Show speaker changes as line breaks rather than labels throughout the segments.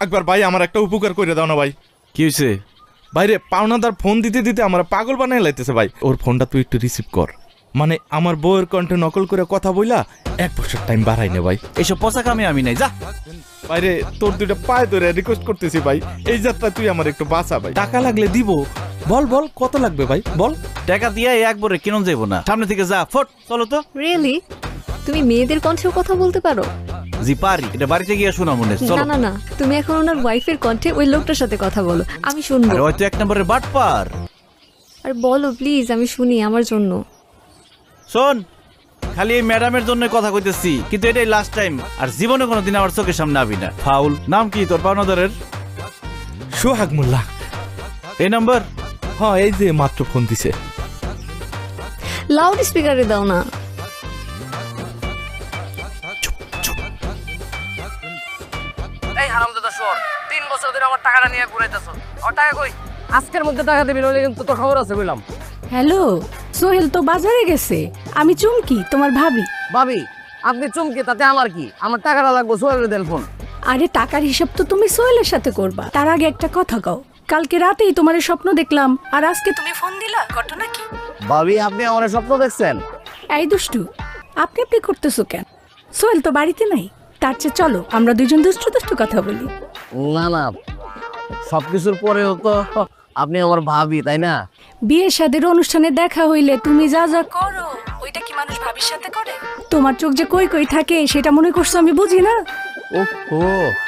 একবার ভাই আমার একটা উপকার করে দাও না ভাই।
কি হয়েছে?
ভাই রে, পাওনাদার ফোন দিতে দিতে আমার পাগল বানাই লাইতেছে ভাই। ওর ফোনটা তুই একটু রিসিভ কর। মানে আমার বউয়ের কণ্ঠে নকল করে কথা বইলা 1 বছর টাইম বাড়াই নে ভাই।
এইসব পচা কামে আমি নাই, যা।
ভাইরে, তোর দুইটা পায়ে ধরে রিকোয়েস্ট করতেছি ভাই, এই যাত্রা তুই আমার একটু বাঁচা ভাই। টাকা লাগলে দিব। বল বল কত লাগবে ভাই বল।
টাকা দিয়ে একবারে কিনুন যাইবো না, সামনে থেকে যা, ফট চলো তো।
রিয়েলি? তুমি মেয়েদের কণ্ঠেও কথা বলতে পারো?
জি পারি, এটা বাড়িতে গিয়ে শোনা মনে। চলো।
না না না, তুমি এখন ওনার ওয়াইফের কণ্ঠে ওই লোকটার সাথে কথা বলো, আমি শুনবো।
আরে হয়তো 1 নম্বরের বাটপার।
আর বলো প্লিজ, আমি শুনি আমার জন্য।
শোন, খালি এই ম্যাডামের জন্য কথা কইতেছি, কিন্তু এটাই লাস্ট টাইম। আর জীবনে কোনোদিন আমার চোখের সামনে আবি না। ফাউল। নাম কি তোর পাওনাদারের?
সোহাগ মোল্লা।
এই নাম্বার?
হ্যাঁ, এই যে মাত্র ফোন দিছে।
লাউড স্পিকারে দাও না।
এই হারামজাদা শোর, 3 বছর ধরে আমার টাকাটা নিয়ে ঘুরাইতেছ। আর টাকা কই? আজকের মধ্যে টাকা দিবি, নইলে কিন্তু তোর খবর আছে বললাম।
হ্যালো, সোহেল তো বাজারে গেছে, আমি চুমকি তোমার ভাবি।
ভাবি, আপনি চমকে তাতে আমার কি? আমার টাকাটা লাগবে, সোহেলের দেন ফোন।
আরে টাকার হিসাব তো তুমি সোহেলের সাথে করবা, তার আগে একটা কথা কও। কালকে রাতেই তোমার স্বপ্ন দেখলাম, আর আজকে তুমি ফোন দিলা, ঘটনা কি?
ভাবি, আপনি আমার স্বপ্ন দেখছেন?
এই দুষ্টু, আপনি আপনি করতেছো কেন? সোহেল তো বাড়িতে নাই, তার চেয়ে চলো আমরা দুজন দুষ্টু দুষ্টু কথা বলি।
না না, সবকিছুর পরেও তো আপনি আমার ভাবি, তাই না?
বিয়ে শাদীর অনুষ্ঠানে দেখা হইলে তুমি যা যা করো, ওইটা কি মানুষ ভাবির সাথে করে? তোমার চোখ যে কই কই থাকে সেটা মনে করছো আমি বুঝি না?
ও,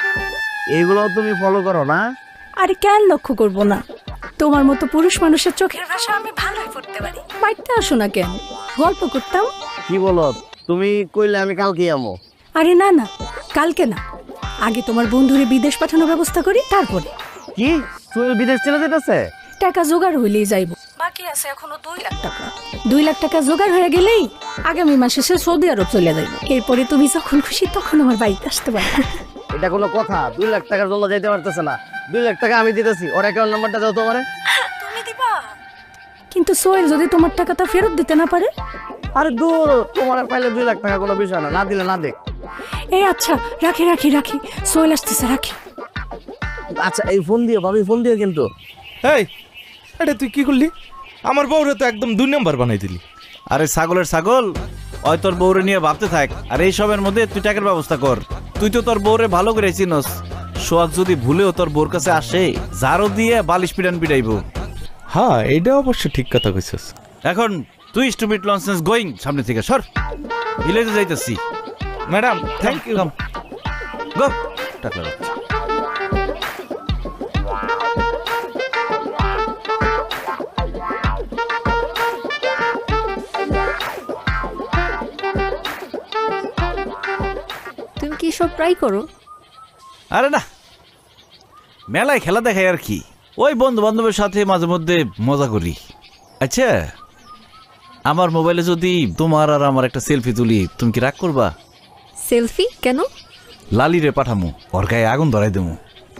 এইগুলো তুমি ফলো করো না?
আরে কেন লক্ষ্য করবো না? তোমার মতো পুরুষ মানুষের চোখের ভাষা আমি ভালোই পড়তে পারি। বাড়িতে আসো না কেন, গল্প করতাম।
কি বলো তুমি? কইলে আমি কালকে আমো।
আরে না না, কালকে না, আগে তোমার বন্ধুরে বিদেশ পাঠানোর ব্যবস্থা করি, তারপরে।
কি সোহেল বিদেশ চলে যেতেছে?
টাকা জোগাড় হইলেই যাইব, বাকি আছে এখনো 2 লাখ টাকা। 2 লাখ টাকা জোগাড় হয়ে গেলেই আগামী মাসে সে সৌদি আরব চলে যাইব। এরপরে তুমি যখন খুশি তখন আমার বাড়িতে আসতে পারবে।
এটা কোনো কথা? 2 লাখ টাকার জন্য যাইতে পারতেছে না। 2 লাখ টাকা আমি দিতেছি, ওর অ্যাকাউন্ট নাম্বারটা দাও তোমারে।
তুমি দিবা? কিন্তু সোহেল যদি তোমার টাকাটা ফেরত দিতে না পারে?
আরে দূর, তোমার পাইলে 2 লাখ টাকা কোনো বিষয় না, না দিলে না দেখ।
এই আচ্ছা, রাখি রাখি রাখি, সোহেল আসতেছে, রাখি।
আচ্ছা, এই ফোন দিও ভাবি, ফোন দিও কিন্তু।
এই, এটা তুই কি করলি? আমার বউরে তো একদম 2 নম্বর বানাই দিলি।
আরে ছাগলের ছাগল, ওই তোর বউরে নিয়ে ভাবতে থাক, আর এই সবের মধ্যে তুই টাকার ব্যবস্থা কর। তুই তো তোর বউরে ভালো করে চিনস। সোহাগ যদি ভুলেও তোর বউর কাছে আসে, জারো দিয়ে বালিশ পিটান পিটাইব।
হ্যাঁ, এটা অবশ্য ঠিক কথা কইছিস।
এখন তুই স্টুপিড লনসেন্স গোয়িং, সামনে থেকে সর। ভিলেজে যাইতেছি।
Madam, thank you.
গো, টাকা রাখ।
তুমি কি সব ট্রাই করো?
আরে না, মেলায় খেলা দেখাই আর কি। ওই বন্ধু বান্ধবের সাথে মাঝে মধ্যে মজা করি। আচ্ছা, আমার মোবাইলে যদি তোমার আর আমার একটা সেলফি তুলি, তুমি কি রাগ করবা?
সেলফি কেন?
লালিরে পাঠামু, ওর গায়ে আগুন ধরাই দেবো।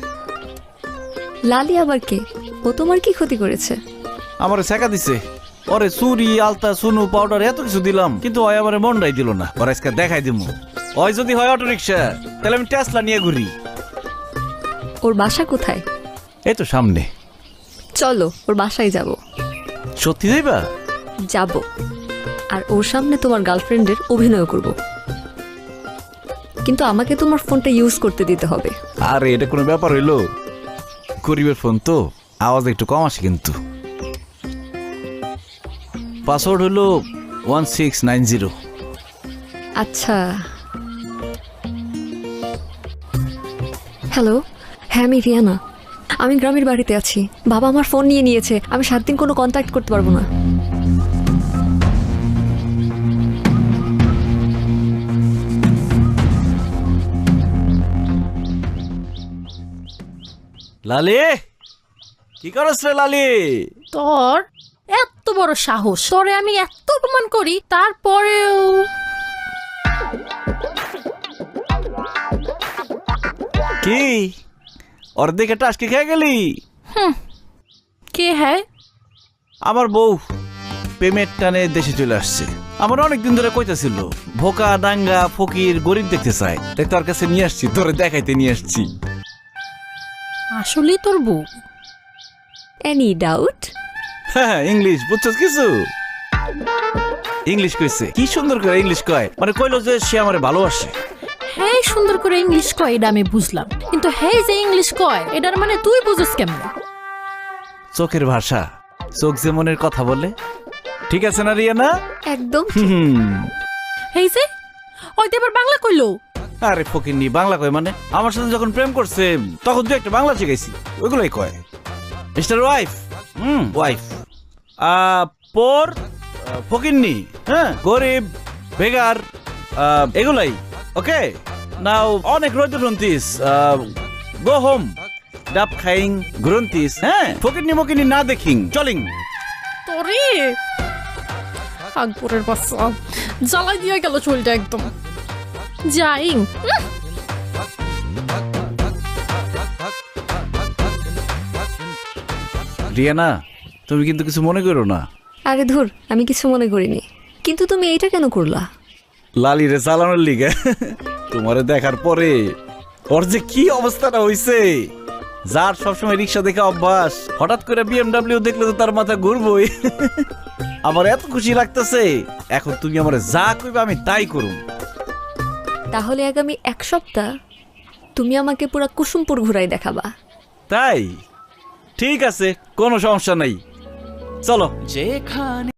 লালি আবার কে? ও তোমার কি ক্ষতি করেছে?
আমারে শেখা দিছে। ওরে চুরি, আলতা, সুনু, পাউডার এত কিছু দিলাম, কিন্তু ওই আমারে মনটাই দিল না। ওর আজকে দেখাই দিমু। ওই যদি হয় অটো রিক্সা, তাহলে আমি টেসলা নিয়ে ঘুরি।
ওর বাসা কোথায়?
এই তো সামনে।
চলো ওর বাসায় যাব।
সত্যি যাইবা?
যাব, আর ওর সামনে তোমার গার্লফ্রেন্ডের অভিনয় করব, কিন্তু আমাকে তোমার ফোনটা ইউজ করতে দিতে হবে।
আরে এটা কোনো ব্যাপার হইলো? গরিবের ফোন তো, আওয়াজ একটু কম আসে কিন্তু। পাসওয়ার্ড হলো 1690।
আচ্ছা, হ্যালো, হ্যাঁ আমি রিয়ানা। আমি গ্রামের বাড়িতে আছি, বাবা আমার ফোন নিয়ে নিয়েছে, আমি 7 দিন কোনো কন্ট্যাক্ট করতে পারবো না।
লালি, কি করছ রে লালি?
তোর এত বড় সাহস, তোরে আমি এত অপমান করি, তারপরেও
কি অর্ধেক একটা আজকে খেয়ে গেলি?
কে হ্যাঁ?
আমার বউ পেমেন্ট টানে দেশে চলে আসছে। আমার অনেকদিন ধরে কইতাছিল ভোকা ডাঙ্গা ফকির গরিব দেখতে চায়, তাই তোর কাছে নিয়ে আসছি, তোরে দেখাইতে নিয়ে আসছি।
আসলেই তোর বউ?
Any doubt?
হ্যাঁ, ইংলিশ বুঝছস কিছু? ইংলিশ কইছে, কি সুন্দর করে ইংলিশ কয়, মানে কইলো যে সে আমারে ভালোবাসে।
হ্যাঁ সুন্দর করে ইংলিশ কয় এটা আমি বুঝলাম, কিন্তু হ্যাঁ যে ইংলিশ কয় এটার মানে তুই বুঝিস কেমন?
চোখের ভাষা, চোখ যে মনের কথা বলে, ঠিক আছে না রিয়ানা?
একদম।
এই যে ওই তো এবার বাংলা কইলো।
আরে ফকিন্নি, বাংলা কয় মানে? আমার সাথে যখন প্রেম করছে তখন তুই একটা বাংলা শিখাইছি, ওইগুলাই কয়। মিস্টার ওয়াইফ, ওয়াইফ পর ফকিন্নি, হ্যাঁ, গরিব, বেগার, এগুলাই। ওকে, নাও অনেক রোদ গ্রন্থিস, গো হোম, ডাব খাইং গ্রন্থিস, হ্যাঁ, ফকিন্নি মকিন্নি না দেখিং চলিং।
তোরে আকবরের বাচ্চা জ্বালাই দিয়ে গেল চুলটা একদম। যাইং
রিয়ানা, তুমি কিন্তু কিছু মনে করো না।
আরে ধুর, আমি কিছু মনে করিনি, কিন্তু তুমি এইটা কেন করলা?
লালিরে চালানোর লিগে। তোমারে দেখার পরে ওর যে কি অবস্থাটা হইছে, যার সবসময় রিক্সা দেখে অভ্যাস, হঠাৎ করে বিএমডাব্লিউ দেখলে তো তার মাথা ঘুরবই। আমার এত খুশি লাগতেছে, এখন তুমি আমার যা কইবে আমি তাই করুম।
তাহলে আগামী 1 সপ্তাহ তুমি আমাকে পুরা কুসুমপুর ঘুরাই দেখাবা।
তাই ঠিক আছে, কোনো সমস্যা নাই, চলো। যেখানে